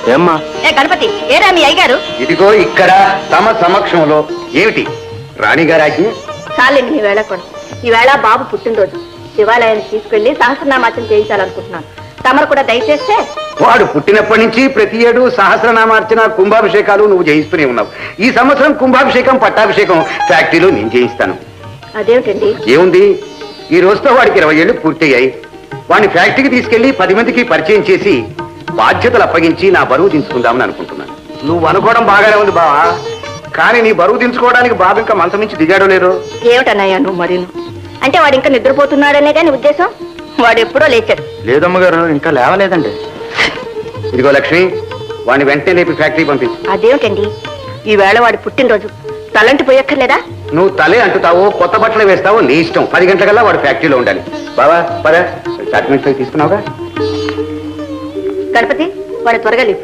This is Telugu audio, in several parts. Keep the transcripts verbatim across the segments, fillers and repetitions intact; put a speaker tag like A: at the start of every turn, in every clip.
A: ఏమ్మా?
B: ఏ గణపతి, ఏరా మీ అయ్యగారు?
C: ఇదిగో ఇక్కడ తమ సమక్షంలో. ఏమిటి రాణిగారు ఆజ్ఞ?
B: చాలండి మీ వేళ కూడా. ఈవేళ బాబు పుట్టినరోజు. శివాలయాన్ని తీసుకెళ్లి సహస్రనామార్చన చేయించాలనుకుంటున్నాను. తమరు కూడా దయచేస్తే.
C: వాడు పుట్టినప్పటి నుంచి ప్రతి ఏడు సహస్రనామార్చన కుంభాభిషేకాలు నువ్వు చేయిస్తూనే ఉన్నావు. ఈ సంవత్సరం కుంభాభిషేకం పట్టాభిషేకం ఫ్యాక్టరీలో నేను చేయిస్తాను.
B: అదేమిటండి?
C: ఏముంది, ఈ రోజుతో వాడికి ఇరవై ఏళ్ళు పూర్తయ్యాయి. వాడిని ఫ్యాక్టరీకి తీసుకెళ్లి పది మందికి పరిచయం చేసి బాధ్యతలు అప్పగించి నా బరువు దించుకుందామని అనుకుంటున్నాను. నువ్వు అనుకోవడం బాగానే ఉంది బావా, కానీ నీ బరువు దించుకోవడానికి బాబు ఇంకా మంచం నుంచి దిగాడో లేదో.
B: ఏమిటన్నయ్యా నువ్వు మరీను? అంటే వాడు ఇంకా నిద్రపోతున్నాడనే కానీ ఉద్దేశం? వాడు ఎప్పుడో లేచాడు.
C: లేదమ్మగారు, ఇంకా లేవలేదండి. ఇదిగో లక్ష్మి, వాడిని వెంటనే లేపి ఫ్యాక్టరీ పంపించు.
B: అదేమిటండి, ఈవేళ వాడి పుట్టినరోజు. తలంటి పోయక్కర్లేదా?
C: నువ్వు తలే అంటుతావో కొత్త బట్టలు వేస్తావో నీ ఇష్టం. పది గంటలకల్లా వాడు ఫ్యాక్టరీలో ఉండాలి. బావా పద, డాక్యుమెంట్స్ అవి తీసుకున్నావుగా?
B: గణపతి, వాడు త్వరగా లేపు.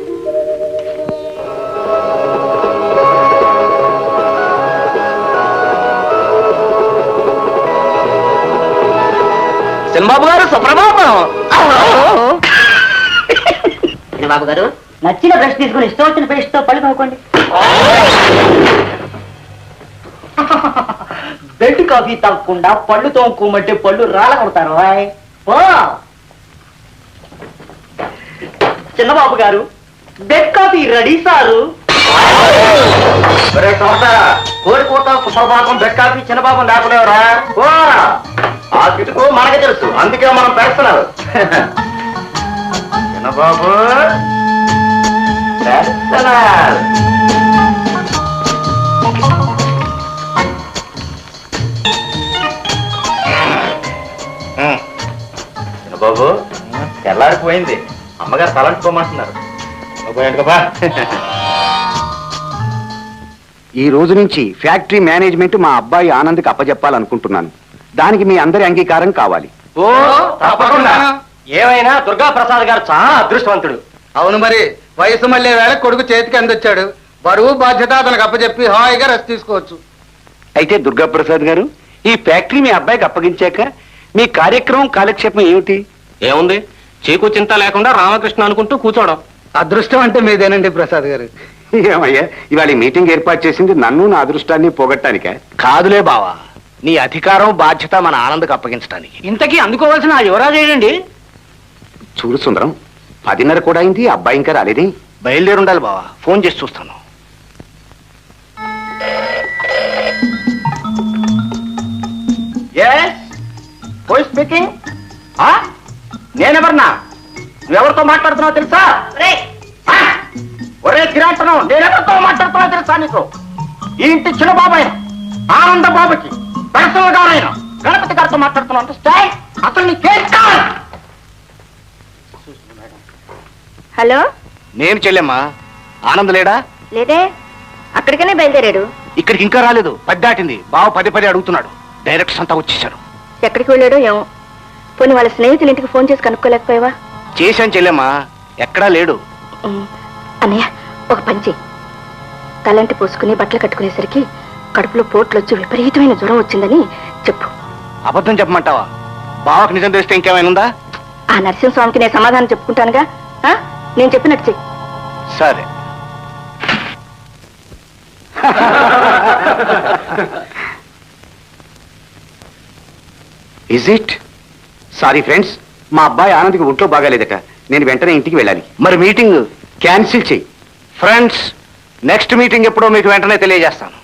A: చిన్నబాబు గారు సుప్రభాతం.
B: బాబు గారు, నచ్చిన బ్రష్ తీసుకుని ఇష్టం వచ్చిన పేస్ట్ తో పళ్ళు తోముకోండి.
A: బెడ్ కాఫీ తాగకుండా పళ్ళు తోముకోమంటే పళ్ళు రాళ్ళ కొడతారు. చిన్నబాబు గారు, బెడ్ కాఫీ రెడీ సారు.
C: కోడికోట సుప్రభాతం బెడ్ కాఫీ చిన్నబాబు లేకపోలేవరా? ఆ కిటుకు మనకి తెలుసు, అందుకే మనం పెడుతున్నారు. చిన్నబాబు పెడుతున్నారు. చిన్నబాబు తెల్లారిపోయింది, అమ్మగారు తలంటుకోమంటున్నారు. ఈ రోజు నుంచి ఫ్యాక్టరీ మేనేజ్మెంట్ మా అబ్బాయి ఆనంద్కి అప్పచెప్పాలనుకుంటున్నాను. దానికి మీ అందరి అంగీకారం కావాలి.
A: ఓ తప్పకుండా. ఏమైనా దుర్గా ప్రసాద్ గారు చాలా అదృష్టవంతుడు.
D: అవును మరి, వయసు మళ్ళీ వేళ కొడుకు చేతికి అందొచ్చాడు. బరువు బాధ్యత అతనికి అప్పచెప్పి హాయిగా రెస్ట్ తీసుకోవచ్చు.
C: అయితే దుర్గాప్రసాద్ గారు, ఈ ఫ్యాక్టరీ మీ అబ్బాయికి అప్పగించాక మీ కార్యక్రమం కాలక్షేపం ఏమిటి?
A: ఏముంది, చీకు చింత లేకుండా రామకృష్ణ అనుకుంటూ కూర్చోవడం.
D: అదృష్టం అంటే మీదేనండి ప్రసాద్ గారు.
C: ఏమయ్యా, ఇవాళ ఈ మీటింగ్ ఏర్పాటు చేసింది నన్ను నా అదృష్టాన్ని పోగొట్టానికే?
A: కాదులే బావా, నీ అధికారం బాధ్యత మన ఆనందకు అప్పగించడానికి. ఇంతకీ అందుకోవాల్సిన ఆ యువరాజు ఏంటండి?
C: చూడు సుందరం, పదిన్నర కూడా అయింది, అబ్బాయి ఇంకా రాలేదే.
A: బయలుదేరి ఉండాలి బావా, ఫోన్ చేసి చూస్తాను. స్పీకింగ్. నేనెవరన్నా? నువ్వెవరితో మాట్లాడుతున్నావు తెలుసా? ఒరే కిరాటనం, నేనెవరితో మాట్లాడుతున్నావు తెలుసా నీకు? ఈ ఇంటి చిన్న బాబాయ్ ఆనంద బాబుకి పర్సనల్ గారైనా గణపతి గారితో మాట్లాడుతున్నావు. అసలు నీకేం కావాలి?
B: హలో,
A: నేను చెల్లెమ్మా. ఆనంద్ లేడా?
B: లేదే, అక్కడికనే బయలుదేరాడు.
A: ఇక్కడికి ఇంకా రాలేదు. పది దాటింది. బావ పదే పదే అడుగుతున్నాడు. డైరెక్టర్స్ అంతా వచ్చేసారు.
B: ఎక్కడికి వెళ్ళాడో ఏమో. పోనీ వాళ్ళ స్నేహితుల ఇంటికి ఫోన్ చేసి కనుక్కోలేకపోయావా?
A: చేశాను చెల్లెమ్మా, ఎక్కడా లేడు.
B: అన్నయ్య, ఒక పని చెయ్యి. తలంటి పోసుకుని బట్టలు కట్టుకునేసరికి కడుపులో పోట్లు వచ్చి విపరీతమైన జ్వరం వచ్చిందని చెప్పు.
A: అబద్ధం చెప్పమంటావా? బావకు నిజం తెలిస్తే ఇంకేమైనా ఉందా?
B: ఆ నరసింహస్వామికి నేను సమాధానం చెప్పుకుంటానుగా. నేను చెప్పినట్టు చెయ్యి.
A: సరే.
C: Is it? సారీ ఫ్రెండ్స్, మా అబ్బాయి ఆనంద్కి ఒంట్లో బాగాలేదట. నేను వెంటనే ఇంటికి వెళ్ళాలి.
A: మరి మీటింగ్
C: క్యాన్సిల్ చెయ్యి.
A: ఫ్రెండ్స్, నెక్స్ట్ మీటింగ్ ఎప్పుడో మీకు వెంటనే తెలియజేస్తాను.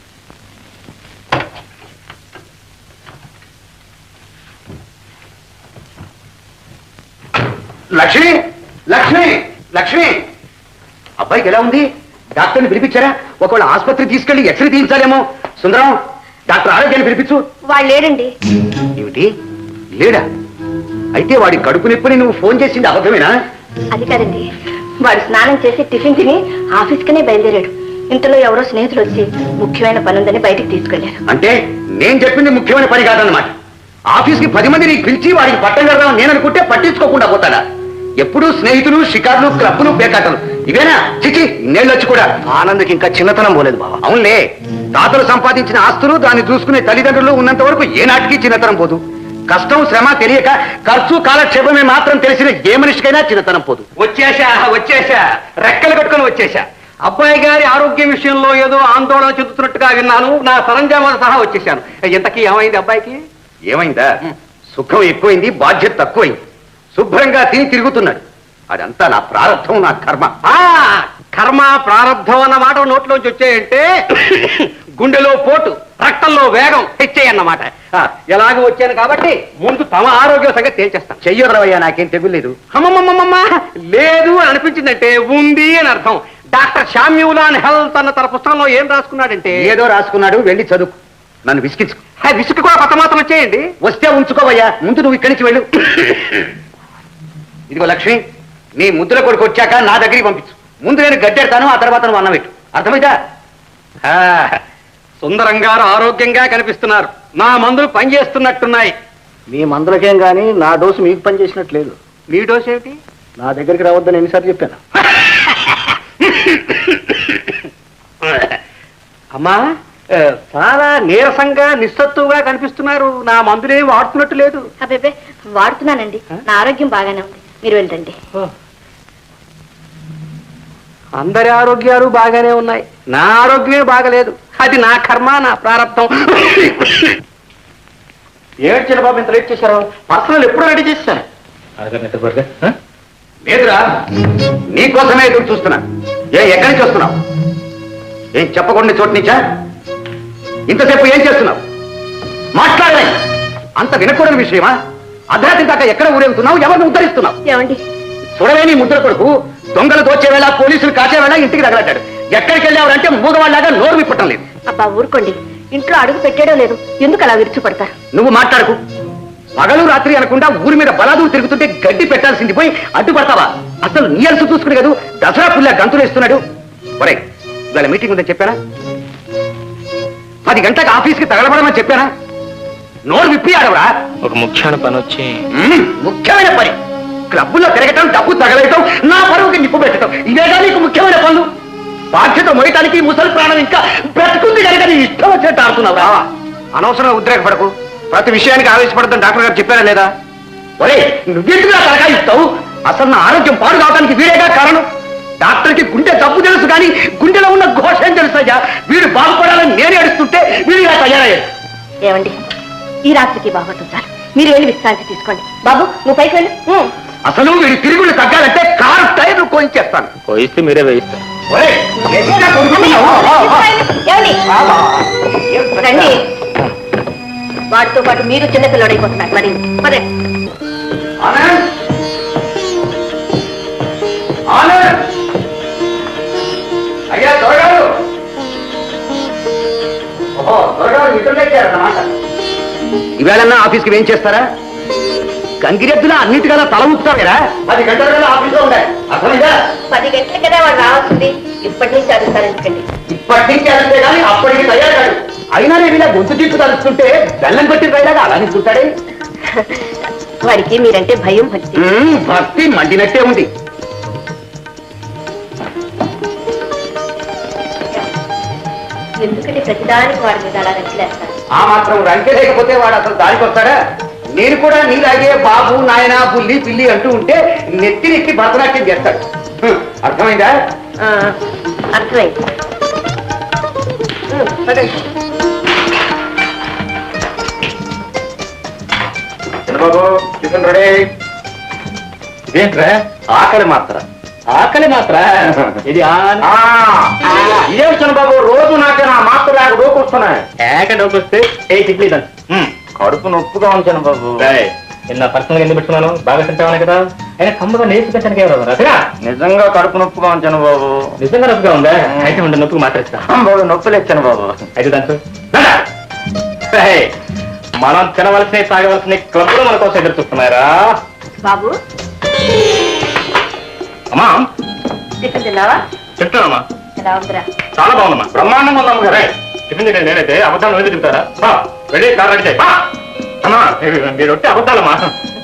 C: లక్ష్మి, లక్ష్మి, లక్ష్మి, అబ్బాయికి ఎలా ఉంది? డాక్టర్ని పిలిపించారా? ఒకవేళ ఆసుపత్రి తీసుకెళ్లి ఎక్స్రే తీయించాలేమో. సుందరం, డాక్టర్ ఆరోగ్యాన్ని పిలిపించు.
B: వాళ్ళు లేడండి.
C: ఏమిటి, లేడా? అయితే వాడి కడుపు నొప్పిని నువ్వు ఫోన్ చేసింది అబద్ధమేనా?
B: అది కాదండి, వాడు స్నానం చేసి టిఫిన్ తిని ఆఫీస్కనే బయలుదేరాడు. ఇంతలో ఎవరో స్నేహితులు వచ్చి ముఖ్యమైన పని ఉందని బయటికి తీసుకెళ్లారు.
C: అంటే నేను చెప్పింది ముఖ్యమైన పని కాదన్నమాట. ఆఫీస్కి పది మంది నీకు పిలిచి వాడికి పట్టం కడదాం నేను అనుకుంటే పట్టించుకోకుండా పోతాడా? ఎప్పుడు స్నేహితులు, షికార్లు, క్లబ్లు, పేకాటలు ఇవేనా? చిచి, ఇన్నేళ్ళు వచ్చి కూడా
A: ఆనంద్కి ఇంకా చిన్నతనం పోలేదు బావ.
C: అవునులే, తాతలు సంపాదించిన ఆస్తులు దాన్ని చూసుకునే తల్లిదండ్రులు ఉన్నంత వరకు ఏనాటికి చిన్నతనం పోదు. కష్టం శ్రమ తెలియక ఖర్చు కాలక్షేపమే మాత్రం తెలిసిన ఏ మనిషికైనా చిన్నతనం పోదు.
D: వచ్చేసా వచ్చేసా రెక్కలు కట్టుకొని వచ్చేసా. అబ్బాయి గారి ఆరోగ్య విషయంలో ఏదో ఆందోళన చెందుతున్నట్టుగా విన్నాను. నా సరంజామాలు సహా వచ్చేసాను. ఇంతకీ ఏమైంది అబ్బాయికి?
C: ఏమైందా? సుఖం ఎక్కువైంది, బాధ్యత తక్కువైంది. శుభ్రంగా తిని తిరుగుతున్నాడు. అదంతా నా ప్రారంభం, నా కర్మ.
D: ఆ కర్మ ప్రారంధం అన్న మాట నోట్లోంచి వచ్చాయంటే గుండెలో పోటు, రక్తంలో వేగం హెచ్చాయన్నమాట. ఎలాగో వచ్చాను కాబట్టి ముందు తమ ఆరోగ్య సంగతి తేల్చేస్తాను.
C: చెయ్యొదరవయ్యా, నాకేం తెగులేదు.
D: అమ్మమ్మమ్మమ్మ లేదు అని అనిపించిందంటే ఉంది అని అర్థం. డాక్టర్ షామ్యూలాన్ హెల్త్ అన్న తన పుస్తకంలో ఏం రాసుకున్నాడంటే
C: ఏదో రాసుకున్నాడు, వెళ్ళి చదువు. నన్ను విసిగించుకో.
D: విసుగు కూడా కొత్త మాత్రం వచ్చేయండి.
C: వస్తే ఉంచుకోవయ్యా, ముందు నువ్వు ఇక్కడి నుంచి వెళ్ళు. ఇదిగో లక్ష్మి, నీ ముద్దుల కొడుకు వచ్చాక నా దగ్గరికి పంపించు. ముందు నేను గడ్డెడతాను, ఆ తర్వాత నువ్వు అన్నం పెట్టు. అర్థమైందా?
D: సుందరం గారు ఆరోగ్యంగా కనిపిస్తున్నారు. నా మందులు పనిచేస్తున్నట్టున్నాయి.
A: మీ మందులకేం గానీ నా డోసు మీకు పనిచేసినట్లేదు.
D: మీ డోస్ ఏమిటి?
A: నా దగ్గరికి రావద్దని ఎన్నిసార్లు చెప్పాను.
D: అమ్మా చాలా నీరసంగా నిస్సత్తుగా కనిపిస్తున్నారు. నా మందులేం వాడుతున్నట్టు లేదు.
B: అబ్బే వాడుతున్నానండి, నా ఆరోగ్యం బాగానే ఉంది. మీరు వెళ్ళండి.
D: అందరి ఆరోగ్యాలు బాగానే ఉన్నాయి, నా ఆరోగ్యమే బాగలేదు. అది నా కర్మ, నా ప్రారంభం.
A: ఏడు చిన్న బాబు ఇంత లేట్ చేశారు? పర్సనల్ ఎప్పుడు రెడీ చేశాను.
C: లేదురా, నీకోసమే ఎదురు చూస్తున్నా. ఏ ఎక్కడి నుంచి వస్తున్నావు? ఏం చెప్పకుండా చోటు నుంచా? ఇంతసేపు ఏం చేస్తున్నావు? మాట్లాడలే. అంత వినకూడని విషయమా? అర్ధరాత్రి దాకా ఎక్కడ ఊరేగుతున్నావు? ఎవరిని ఉద్ధరిస్తున్నావు?
B: ఏమండి,
C: చూడలే నీ ముద్ర కొడుకు దొంగలు దోచే వేళ, పోలీసులు కాచే వేళ ఇంటికి తగలట్టాడు. ఎక్కడికి వెళ్ళావంటే మూగవాళ్ళగా నోరు విప్పటం లేదు.
B: అబ్బా ఊరుకోండి, ఇంట్లో అడుగు పెట్టేయడం లేదు. ఎందుకు అలా విరుచుపడతారు?
C: నువ్వు మాట్లాడకు. పగలు రాత్రి అనకుండా ఊరి మీద బలాదులు తిరుగుతుంటే గడ్డి పెట్టాల్సింది పోయి అడ్డుపడతావా? అసలు నీ అలసు చూసుకుని కదా దసరా పుల్ల గంతులు వేస్తున్నాడు. ఒరే, ఇవాళ మీటింగ్ ఉందని చెప్పానా? పది గంటలకు ఆఫీస్కి తగలబడమని చెప్పానా? నోరు విప్పి ఆడవరా?
E: ఒక ముఖ్యమైన పని వచ్చి
C: మ్మ్, ముఖ్యమైన పని. క్లబ్బుల్లో తిరగటం, డబ్బు తగలయటం, నా పరువుకి నిప్పు పెట్టడం, ఇవేగా నీకు ముఖ్యమైన పనులు. బాధ్యత మోయటానికి ముసలి ప్రాణం ఇంకా బ్రతుకుంది కనుక నీ ఇష్టం వచ్చినట్టు ఆడుతున్నావురా. అనవసరంగా ఉద్రేకపడకు. ప్రతి విషయానికి ఆవేశపడద్దని డాక్టర్ గారు చెప్పారా లేదా? ఒరే, నువ్వెందుకు తలకా ఇస్తావు? అసలు నా ఆరోగ్యం పాడు కావడానికి వీరేగా కారణం. డాక్టర్కి గుండె జబ్బు తెలుసు కానీ గుండెలో ఉన్న ఘోష ఏం తెలుసయ్యా? వీడు బాగుపడాలని నేనే అడుస్తుంటే వీడు ఇలా తయారయ్యాడు.
B: ఏమండి, ఈ రాత్రికి బాగోతుంది చాలు. మీరు వెళ్ళి విశ్రాంతి తీసుకోండి. బాబు, నువ్వు పైకి వెళ్ళు.
C: అసలు వీడి తిరుగులు తగ్గాలంటే కారు టైర్లు కోయించేస్తాను.
E: పోయిస్తే మీరే వేయిస్తారు.
C: ఒరే, ఎట్లా కొడుకున్నావు?
B: ఏమండి, రండి. వాటితో పాటు మీరు చిన్నపిల్లడైపోతున్నారు. మరి పదే
C: ఆనంద్! ఆనంద్! అయ్యా త్వరగారు! ఓహో, త్వరగారు ఇతరులెక్కారన్నమాట. ఈవేళన్నా ఆఫీస్కి ఏం చేస్తారా? గంగిరెద్దులా అన్నిటికల్లా తల ఊపుతారా? పది గంటల కల్లా ఆఫీస్లో ఉండాలి. అర్థమైందా?
B: పది గంటల కదా వాడు రావాల్సింది. ఇప్పటి నుంచి అడుగుతారు ఎందుకండి?
C: ఇప్పటి నుంచి అడిగితే కానీ అప్పటికి తయారు. అయినా నేను ఇలా గొంతు తీర్పు తలుస్తుంటే బెల్లం కొట్టి రైలాగా అలానే చూస్తాడే.
B: వాడికి మీరంటే భయం, భక్తి.
C: మ్మ్, భక్తి మండినట్టే ఉంది.
B: ఎందుకంటే ప్రతిదానికి వాడి మీద అలా రెచ్చలేస్తారు.
C: ఆ మాత్రం రంకే లేకపోతే వాడు అసలు దానికి వస్తాడా? నేను కూడా నీలాగే బాబు, నాయన, బుల్లి, పిల్లి అంటూ ఉంటే నెత్తి నెత్తి భరతనాట్యం చేస్తాడు. హ్మ్, అర్థమైందా?
B: ఆ, అర్థమైంది.
C: Chandrababu, tiffin ready.
E: ఇదేంట్రా
C: ఆకలి మాత్ర.
E: ఆకలి మాత్ర ఇది
C: ఇదే చంద్రబాబు, రోజు నాకు నా మాత్ర లేక డోకొస్తున్నాయి.
E: ఏక డబ్బు వస్తే ఏ ఇడ్లీ దంచు.
C: కడుపు నొప్పుగా ఉంచాను బాబు.
E: నిన్న పర్సనల్ ఎందుకు పెట్టుకున్నాను? బాగా తింటామని కదా. అయినా కమ్మగా నేర్చు పెట్టడానికి ఎవరు రాదురా?
C: నిజంగా కడుపు నొప్పుగా ఉంచాను బాబు.
E: నిజంగా నొప్పిగా ఉందా? అయితే ఉండే నొప్పికి మాట్లాడుతా
C: బాబు. నొప్పులు ఇచ్చాను బాబు.
E: అయితే దంచు. ఏయ్, మనం తినవలసిన తాగవలసిన క్లబ్లో మన కోసం ఎదురు చూస్తున్నారా
B: బాబు,
E: అమ్మా?
B: టిఫిన్ తిన్నావా?
E: చెప్తానమ్మా.
B: ఎలా ఉందిరా?
E: చాలా బాగుందమ్మా. బ్రహ్మాండంగా ఉందమ్మ గారే. టిఫిన్ తింటే నేనైతే అబద్ధాలు వెళ్ళి తింటారా? బా, వెళ్ళి కార్ రెడీ చేయి. బా అమ్మా, మీరు వచ్చి అబద్ధాలమ్మా.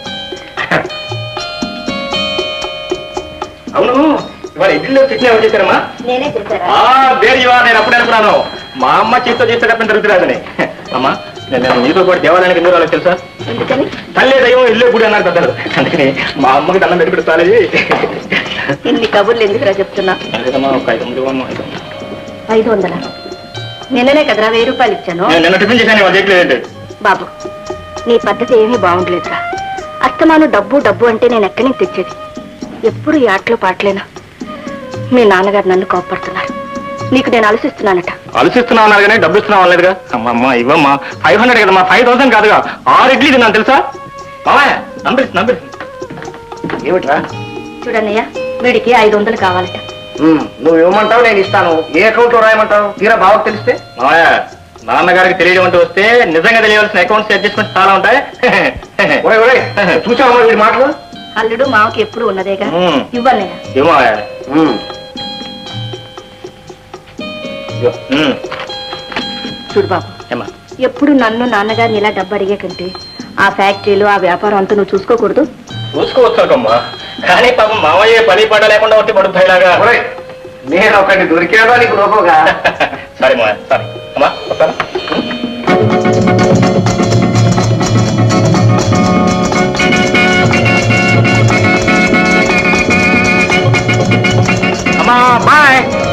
E: అవును, ఇవాళ ఇడ్లీలో చట్నీ ఎవరు చేశారమ్మా?
B: నేనే చేశారా?
E: వేరు ఇవా, నేను అప్పుడే అనుకున్నాను మా అమ్మ చేతితో చేసేటప్పుడు జరుగుతురాదని. అమ్మా, నేను నేను మీతో కూడా దేవాలయానికి ఎందుకు రాలేదు తెలుసా?
B: ఎందుకని
E: తల్లే దయ్యం ఇల్లే గుడి అన్నారు పెద్దలు, అందుకని మా అమ్మకి దండం పెట్టి పెడతాలి.
B: ఇన్ని కబుర్లు ఎందుకురా చెప్తున్నా?
E: ఒక ఐదు వందలు ఇవ్వమ్మా, ఐదు వందలు.
B: ఐదు వందల నిన్ననే కదరా వెయ్యి రూపాయలు ఇచ్చాను.
E: నేను నిన్న టిఫిన్ చేశాను, వాళ్ళు చేయట్లేదండి.
B: బాబు నీ పద్ధతి ఏమీ బాగుండలేదురా. అస్తమాను డబ్బు డబ్బు అంటే నేను ఎక్కడి నుంచి తెచ్చేది? ఎప్పుడు ఈ ఆటలో పాటలేనా? మీ నాన్నగారు నన్ను కోపడుతున్నారు. నీకు నేను ఆలోచిస్తున్నానట.
E: ఆలోచిస్తున్నా ఉన్నారు కానీ డబ్బు ఇస్తున్నా వాళ్ళేదుగా. అమ్మమ్మ ఇవ్వమ్మా, ఫైవ్ హండ్రెడ్ కదమ్మా, ఫైవ్ థౌసండ్ కాదుగా, ఆరు ఇడ్లీ తిన్నాను తెలుసా? మామయ్య నంబర్ నంబర్
C: ఏమిట్రా?
B: చూడన్నయ్య, వీడికి ఐదు వందలు కావాలట.
C: నువ్వు ఇవ్వమంటావు, నేను ఇస్తాను. ఏ అకౌంట్ లో రాయమంటావు? తీరా బావకు తెలిస్తే?
E: మామయ్య నాన్నగారికి తెలియడం అంటూ వస్తే నిజంగా తెలియవలసిన అకౌంట్స్ అడ్జస్ట్మెంట్స్ చాలా ఉంటాయి.
C: ఒరేయ్, ఒరేయ్, చూసావా వీడి మాటలు?
B: అల్లుడు మావకి ఎప్పుడు ఉన్నదేగా.
E: మ్మ్.
B: ఇవ్వన్నయ్య.
E: ఏమో మామయ్య.
C: ఉమ్.
E: ఉమ్.
B: చూడు బాబు,
E: ఏమ్మా?
B: ఎప్పుడు నన్ను నాన్నగారిని ఇలా డబ్బు అడిగే కంటే ఆ ఫ్యాక్టరీలు ఆ వ్యాపారం అంతా నువ్వు చూసుకోకూడదు?
E: చూసుకోవచ్చుకమ్మా, కానీ పాపం మామయ్య పని పడ లేకుండా వచ్చి పడుతాయిలాగా.
C: ఒరేయ్, నేను ఒకటి దొరికాడా నీకు లోపగా?
E: సరే మా సరే అమ్మా వస్తాను.